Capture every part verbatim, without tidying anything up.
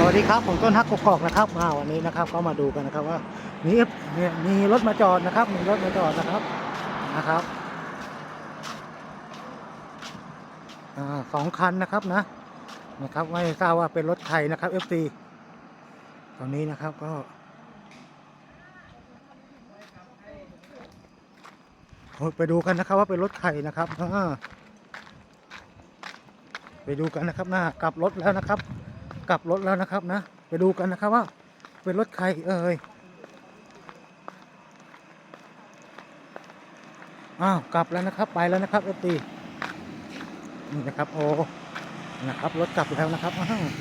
วัสดีครับผมต้นฮักกกอกนะครับมาวันนี้นะครับก็มาดูกันนะครับว่ามีเนี่ยมีรถมาจอดนะครับมีรถมาจอดนะครับนะครับอ่าสองคันนะครับนะนะครับไม่ทราบว่าเป็นรถใครนะครับ เอฟ ซี ตอนนี้นะครับก็ไปดูกันนะครับว่าเป็นรถใครนะครับไปดูกันนะครับนะกลับรถแล้วนะครับกลับรถแล้วนะครับนะไปดูกันนะครับว่าเป็นรถใครเอ่ยอ้าวกลับแล้วนะครับไปแล้วนะครับเอฟซีนี่นะครับโอ้นะครับรถกลับแล้วนะครับอ้าว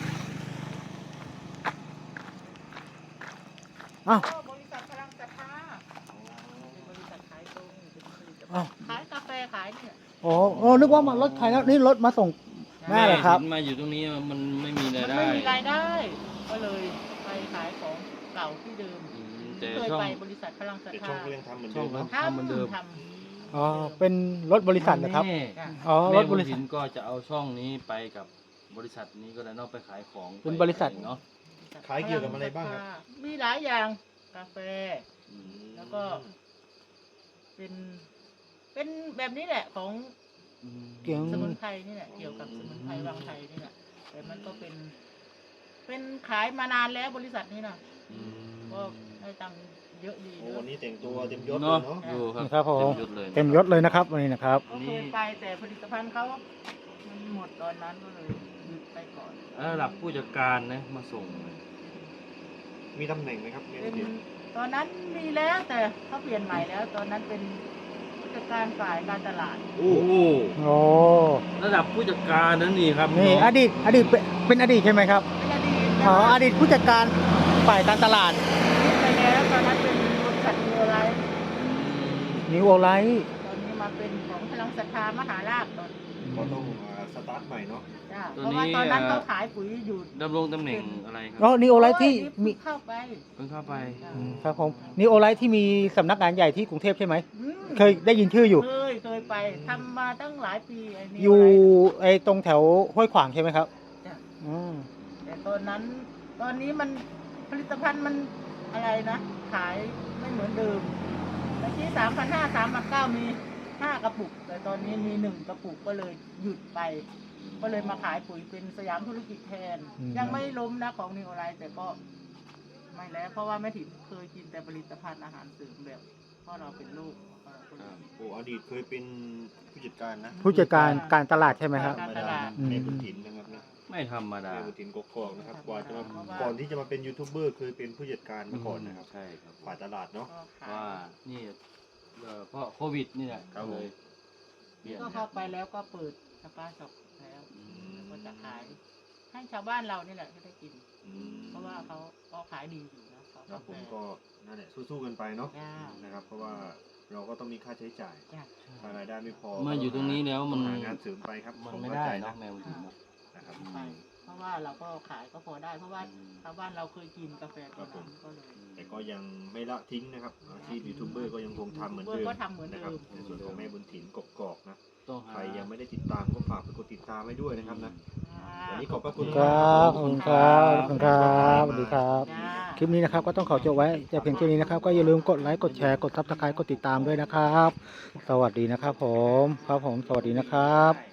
อ้าวบริษัทพลังศรัทธาเป็นบริษัทขายตรงเป็นผลิตภัอ้าวณฑ์ขายกาแฟขายเนี่ยโอ้โอ้นึกว่ามารถใครแล้วนี่รถมาส่งแม่เหรอครับแม่เห็นมาอยู่ตรงนี้มันไม่มีมัรายนได้ไม่มีรายได้ ก็เลยไปขายของเก่าที่เดิมอืมแต่เคยช่องไปบริษัทพลังศรัทแต่ธาช่องก็ยังทำเหมือนช่เดิองมครับนะทำเหมือนเดิมทำอ๋อเป็นรถบริษัทเหรอครับแม่จ้ะอ๋อรแม่ถบบ ริริษัษัททก็จะเอาช่องนี้ไปกับบริษัทนี้ก็เลยนอกไปขายของเป็นบริษัทเนาะขายเกี่ยวกับอะไรบ้างครับมีหลายอย่างกาแฟอืมแล้วก็ เป็น เป็นแบบนี้แหละของอืมเกี่ยวสมุนไพรนี่แหละเกี่ยวกับสมุนไพรวังไทยนี่แหละแต่มันก็เป็น เป็นขายมานานแล้วบริษัทนี้นะอืมก็ได้ตังค์เยอะดีโอ้เยวัอะนนี้แต่งตัวเต็มยศเลเนาะยเนาะดูครับนี่ครับผมเต็มยศเลยเต็มยศเลยนะครับนี่นะครับก็เคยไปแต่ผลิตภัณฑ์เขามันหมดตอนนั้นก็เลยหยุดไปก่อนแล้วระดับผู้จัดการนะมาส่งมีตำแหน่งไหมครับเมเป็นเดียตอนนั้นมีแล้วแต่เขาเปลี่ยนใหม่แล้ว ตอนนั้นเป็นผู้จัดการฝ่ายการตลาดโอ้โหโอ้ระดับผู้จัดการนั่นนี่ครับนี่อดีตอดีตเป็นเป็นอดีตใช่ไหมครับเป็นอดีตอ๋ออดีตผู้จัดการฝ่ายการตลาดไปแล้วตอนนั้นเป็นบริษัทนิวไลท์นิวโอไลท์ตอนนี้มาเป็นของพลังศรัทธามหาราชตอนก็ต้องอ่าสตาร์ทใหม่เนาะจ้าเพราะว่าตอนนั้นเขาขายปุ๋ยอยู่ดำรงตำแหน่งอะไรคอ๋อรับนิวโอไลท์ที่มีเข้าไปเพิ่งเข้าไปอืมครับผมนิวโอไลท์ที่มีสำนักงานใหญ่ที่กรุงเทพใช่ไหมอืมเคยได้ยินชื่ออยู่เคยเคยไปทำมาตั้งหลายปีไอ้นี่อยู่ไว้ไอ้ตรงแถวห้วยขวางใช่ไหมครับจ้ะอืมแต่ตอนนั้น ตอนนี้มันผลิตภัณฑ์มันอะไรนะ ขายไม่เหมือนเดิมเมื่อกี้สามพันห้าสามพันเก้ามีห้ากระปุก แต่ตอนนี้มีหนึ่งกระปุกก็เลยหยุดไป ก็เลยมาขายปุ๋ยเป็นสยามธุรกิจแทน ยังไม่ล้มนะของนิวไลท์แต่ก็ไม่แล้ว เพราะว่าแม่ถิ่นเคยกินแต่ผลิตภัณฑ์อาหารเสริมแบบเพราะเราเป็นลูกเราก็เลยโอ้อดีตเคยเป็นผู้จัดการนะผู้จัดการการตลาดใช่ไหมครับการไม่ตได้ลาดอืมแม่บุญถิ่นนะครับนะไม่ธรรมดาแม่บุญถิ่นกกอกนะครับกว่าจะมาเพราะว่าก่อนที่จะมาเป็นยูทูบเบอร์เคยเป็นผู้จัดการมาก่อนนะครับใช่ครับฝ่ายตลาดเนาะก็ขายว่านี่เอ่อเพราะโควิดนี่แหละครับผมเลยเปลี่ยนก็เข้าไปแล้วก็เปิดสปาช็อปแล้วอืมก็จะขาย ให้ชาวบ้านเรานี่แหละจะได้กินอืมเพราะว่าเขาก็ขายดีอยู่นะเขาครักาบแฟผมก็นั่นแหละสู้ๆกันไปเนาะจ้านะครับ เพราะว่าเราก็ต้องมีค่าใช้จ่ายจ้าถ้ารายได้ไม่พอเมื่ออยู่ตรงนี้แล้วมันหางานเสริมไปครับมันผไม่เข้าได้ใจเนาะแมวถึงเนาะนะครับไปเพราะว่าเราก็ขายก็พอได้ เพราะว่าชาวบ้านเราเคยกินกาแฟตอนนั้นก็เลยแต่ก็ยังไม่ละทิ้งนะครับอาชีพยูทูบเบอร์ก็ยังคงทำเหมือนเดิมก็ทำเหมือนเดิมนะครับในส่วนของแม่บุญถิ่นกกอกนะต้องหาใครยังไม่ได้ติดตามก็ฝากไปกดติดตามไว้ด้วยนะครับนะ วันนี้ขอบพระคุณครับขอบคุณครับขอบคุณครับสวัสดีครับจ้าคลิปนี้นะครับก็ต้องขอจบไว้แต่เพียงแค่นี้นะครับก็อย่าลืมกดไลค์กดแชร์กดซับสไครต์กดติดตามด้วยนะครับ สวัสดีนะครับผมครับผมสวัสดีนะครับ